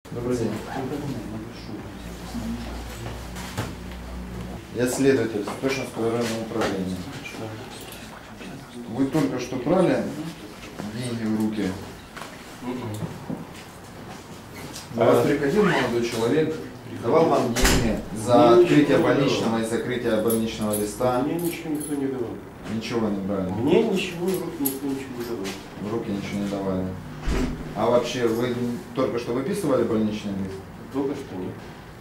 Добрый день. Я следователь Святошинского районного управления. Вы только что брали деньги в руки. У вас приходил молодой человек, давал вам деньги за открытие больничного и закрытие больничного листа? Мне ничего никто не давал. Ничего не брали? Мне ничего в руки никто ничего не давал. В руки ничего не давали. А вообще, вы только что выписывали больничный лист? Только что нет.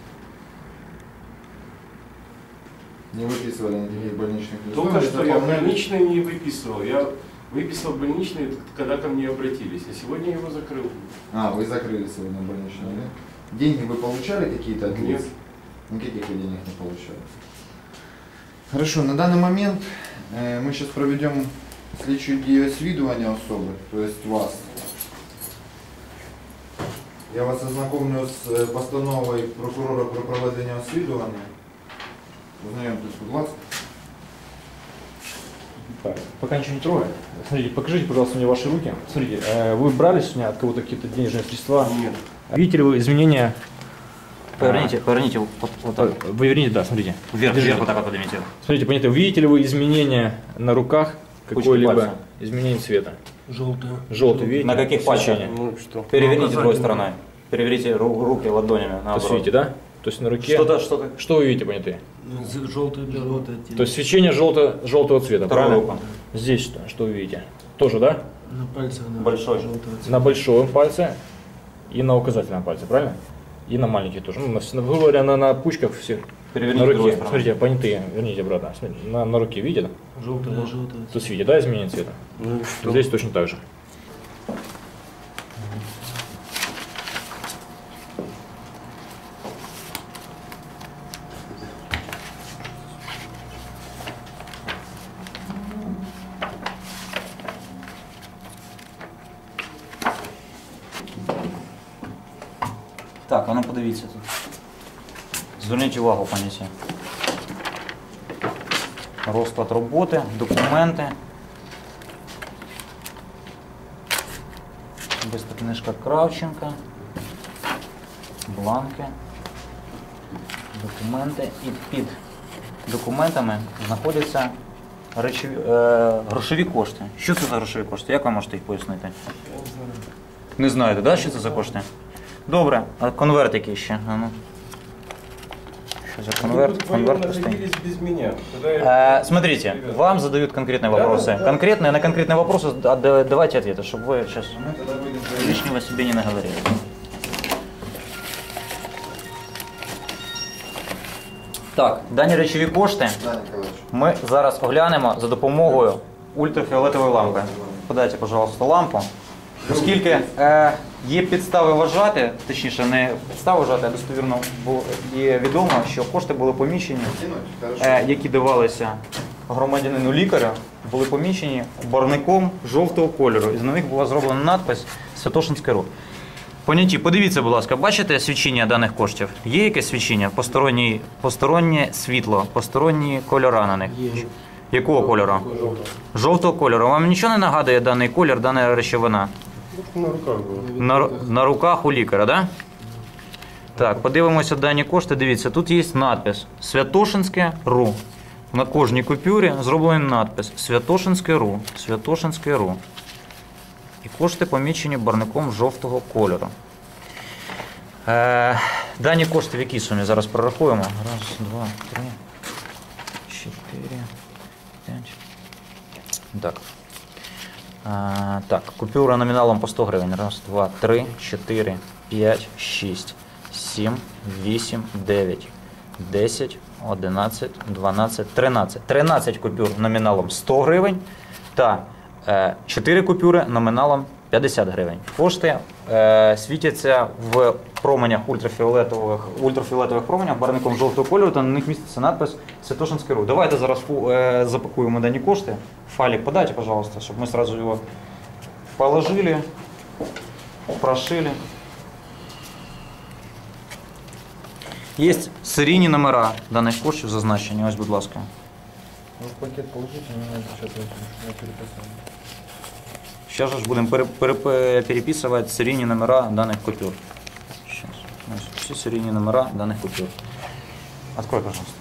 Не выписывали никаких больничных листов? Только что я больничный не выписывал. Я выписал больничный, когда ко мне обратились. А сегодня я его закрыл. А, вы закрыли сегодня больничный лист? Деньги вы получали какие-то от лиц? Нет. Никаких вы денег не получали. Хорошо, на данный момент мы сейчас проведем слідчу дію освідування особи, то есть вас. Я вас ознакомлю з постановою прокурора про проведення освідування. Ознайомтесь, будь ласка. Так, пока ничего не трогай. Смотрите, покажите, пожалуйста, мне ваши руки. Смотрите, вы брали сегодня от кого-то какие-то денежные средства? Нет. Видите ли вы изменения? Поверните вот так. Вы верните, да, смотрите. Вверх, Держите. вверх вот так вот поднимите. Смотрите, понятно, видите ли вы изменения на руках, какое-либо пальца. изменение цвета? Желтый. Желтый, видите? На каких пальцах? Свечение. Ну что? Переверните другой стороной. Переверните руки ладонями То есть наоборот. видите, да? То есть на руке. Что-то. Что вы видите, понятые? Желтый. То есть свечение желтого цвета, Вторую правильно? руку. Здесь что вы видите? Тоже, да? На пальцах. Да. Большой. Желтого цвета. На большом пальце и на указательном пальце, правильно? И на маленький тоже. Ну, грубо говоря, на пучках всех. Переверните На другой руке. стороной. Смотрите, понятые, верните обратно. Смотрите, на руке видите? Желтый. Да, желтый. То есть видите, да, изменение цвета? Ну и что? Здесь точно так же. Так, а ну подивіться тут. Зверніть увагу, пані Сі. Розклад роботи, документи. Особиста книжка Кравченка. Бланки. Документи. І під документами знаходяться грошові кошти. Що це за грошові кошти? Як ви можете їх пояснити? Не знаєте, да, що це за кошти? Добре, а конверт який ще? А ну. Что за конверт? Вы Конверт пустый. находились без меня. Когда я... Смотрите, вам задают конкретные вопросы. Конкретные, на конкретные вопросы давайте ответы, чтобы вы сейчас лишнего себе не наговорили. Так, дані речові кошти Да, Николаевич. ми зараз оглянемо за допомогою ультрафіолетової лампи. Подайте, пожалуйста, лампу. Оскільки є підстави вважати, точніше не підстави вважати, а достовірно є відомо, що кошти були поміщені, які давалися громадянину лікарю, були поміщені барвником жовтого кольору. І на них була зроблена надпис Святошинське РУ. Поняті, подивіться, будь ласка, бачите свічення даних коштів? Є якесь свічення? Постороннє світло, посторонні кольора на них? Є. Якого кольору? Жовтого кольору. Вам нічого не нагадує даний колір, дана речовина? На руках было. На руках у лікаря, так? Да? Так, подивимося дані кошти. Дивіться, тут є надпис Святошинське РУ. На кожній купюрі зроблений надпис Святошинське РУ. Святошинське РУ. І кошти помічені барвником жовтого кольору. Дані кошти в якій сумі? Зараз прорахуємо. Раз, два, три, 4, 5. Так. Так, купюра номіналом по 100 гривень. Раз, два, три, 4, 5, 6, 7, 8, 9, 10, 11, 12, 13. 13 купюр номіналом 100 гривень та 4 купюри номіналом 50 гривень. Кошти світяться в променях ультрафіолетових променях барвником жовтого кольору, та на них міститься надпис Святошинське РУ. Давайте зараз запакуємо дані кошти. Файлик подайте, пожалуйста, чтобы мы сразу его положили, прошили. Есть серійні номера даних коштів зазначені, ось, будь ласка. Ну, пакет положите, мне сейчас я переписал. Сейчас же будем переписывать серийные номера данных купюр. Сейчас. всі серійні номера даних купюр. Открой, пожалуйста.